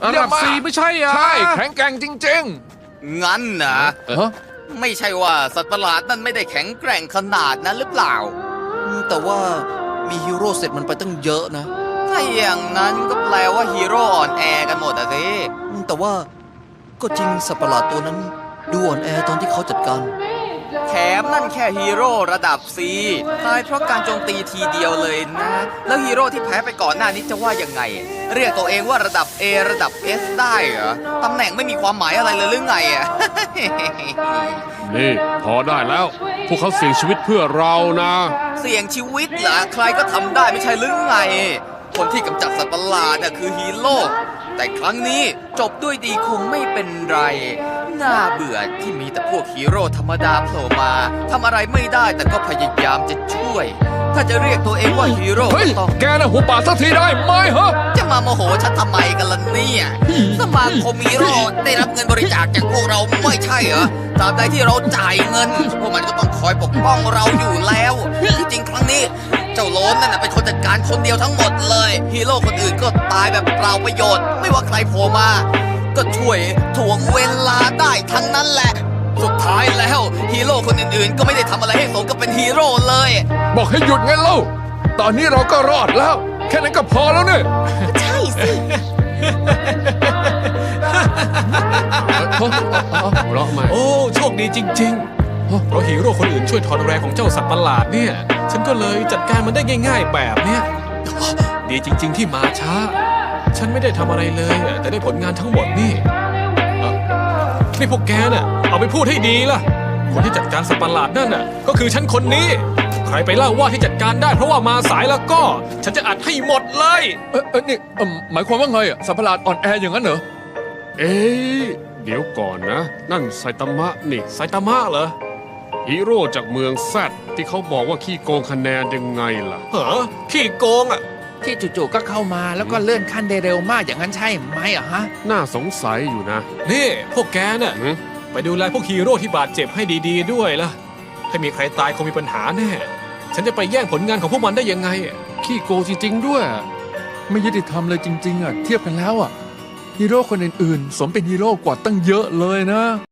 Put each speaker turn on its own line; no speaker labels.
ระดับ4ไม่ใช่อ่ะ
ใช่แข็งแกร่งจริง
งั้นนะ
ๆฮะ
ไม่ใช่ว่าสัตว์ประหลาดนั่นไม่ได้แข็งแกร่งขนาดนั้นหรือเปล่า
แต่ว่ามีฮีโร่เสร็จมันไปตั้งเยอะนะ
ถ้าอย่างนั้นก็แปลว่าฮีโร่อ่อนแอกันหมดอะสิ
แต่ว่าก็จริงสัตว์ประหลาดตัวนั้นดูอ่อนแอตอนที่เขาจัดการ
แถมนั่นแค่ฮีโร่ระดับ C ตายเพราะการโจมตีทีเดียวเลยนะ แล้วฮีโร่ที่แพ้ไปก่อนหน้านี้จะว่ายังไง เรียกตัวเองว่าระดับ A ระดับ S ได้เหรอ ตำแหน่งไม่มีความหมายอะไรเลยหรือไงอะ
นี่พอได้แล้ว พวกเขาเสี่ยงชีวิตเพื่อเรานะ
เสี่ยงชีวิตเหรอใครก็ทำได้ไม่ใช่หรือไง คนที่กำจัดสัตว์ประหลาดน่ะคือฮีโร่แต่ครั้งนี้จบด้วยดีคงไม่เป็นไร น่าเบื่อที่มีแต่พวกฮีโร่ธรรมดาโผล่มาทำอะไรไม่ได้แต่ก็พยายามจะช่วย ถ้าจะเรียกตัวเองว่าฮีโร่
เฮ้ย
ก็ต้อง
แกน่ะหัวป่าสักทีได้ไหมฮะ
จะมาโมโหฉันทำไมกันล่ะเนี่ยสมาคมฮีโร่ได้รับเงินบริจาคจากพวกเราไม่ใช่เหรอตราบใดที่เราจ่ายเงินพวกมันก็ต้องคอยปกป้องเราอยู่แล้วที่จริงครั้งนี้ เจ้าโลนนั่นน่ะเป็นคนจัดการคนเดียวทั้งหมดเลยฮีโร่คนอื่นก็ตายแบบเปล่าประโยชน์ ไม่ว่าใครโผล่มา ก็ช่วยถ่วงเวลาได้ทั้งนั้นแหละ สุดท้ายแล้วฮีโร่คนอื่นๆ ก็ไม่ได้ทำอะไรให้สมกับเป็นฮีโร่เลย
บอกให้หยุดไงเล่า ตอนนี้เราก็รอดแล้ว แค่นั้นก็พอแล้วเนี่ย
ใช่สิ
หัวเราะใหม่
โอ้โชคดีจริงๆ เพราะฮีโร่คนอื่นช่วยถอนแรงของเจ้าสัตว์ประหลาดเนี่ย ฉันก็เลยจัดการมันได้ง่าย ๆ แบบเนี้ยดีจริง ๆ ที่มาช้า ฉันไม่ได้ทำอะไรเลยอะแต่ได้ผลงานทั้งหมดนี่นี่พวกแกน่ะเอาไปพูดให้ดีล่ะ คนที่จัดการสัตว์ประหลาดนั่นน่ะก็คือฉันคนนี้ ใครไปเล่าว่าที่จัดการได้เพราะว่ามาสายแล้วก็ ฉันจะอัดให้หมดเลย
นี่หมายความว่าไงอ่ะสัตว์ประหลาดอ่อนแออย่างนั้นเหรอ
เอ๊ะเดี๋ยวก่อนนะ นั่นไซตามะนี่
ไซตามะเหรอ
ฮีโร่จากเมืองแซดที่เขาบอกว่าขี้โกงคะแนนยังไงล่ะ
เหรอขี้โกงอ่ะ
ที่จู่ๆก็เข้ามาแล้วก็เลื่อนขั้นได้เร็วมากอย่างนั้นใช่ไหมอะฮะ
น่าสงสัยอยู่นะ
นี่พวกแกน่ะ
หือ
ไปดูแลพวกฮีโร่ที่บาดเจ็บให้ดีๆด้วยล่ะ ถ้ามีใครตายคงมีปัญหาแน่ ฉันจะไปแย่งผลงานของพวกมันได้ยังไงอะ
ขี้โกงจริงๆด้วย
ไม่ยุติธรรมเลยจริงๆอ่ะ เทียบกันแล้วอ่ะ ฮีโร่คนอื่นๆ สมเป็นฮีโร่กว่าตั้งเยอะเลยนะ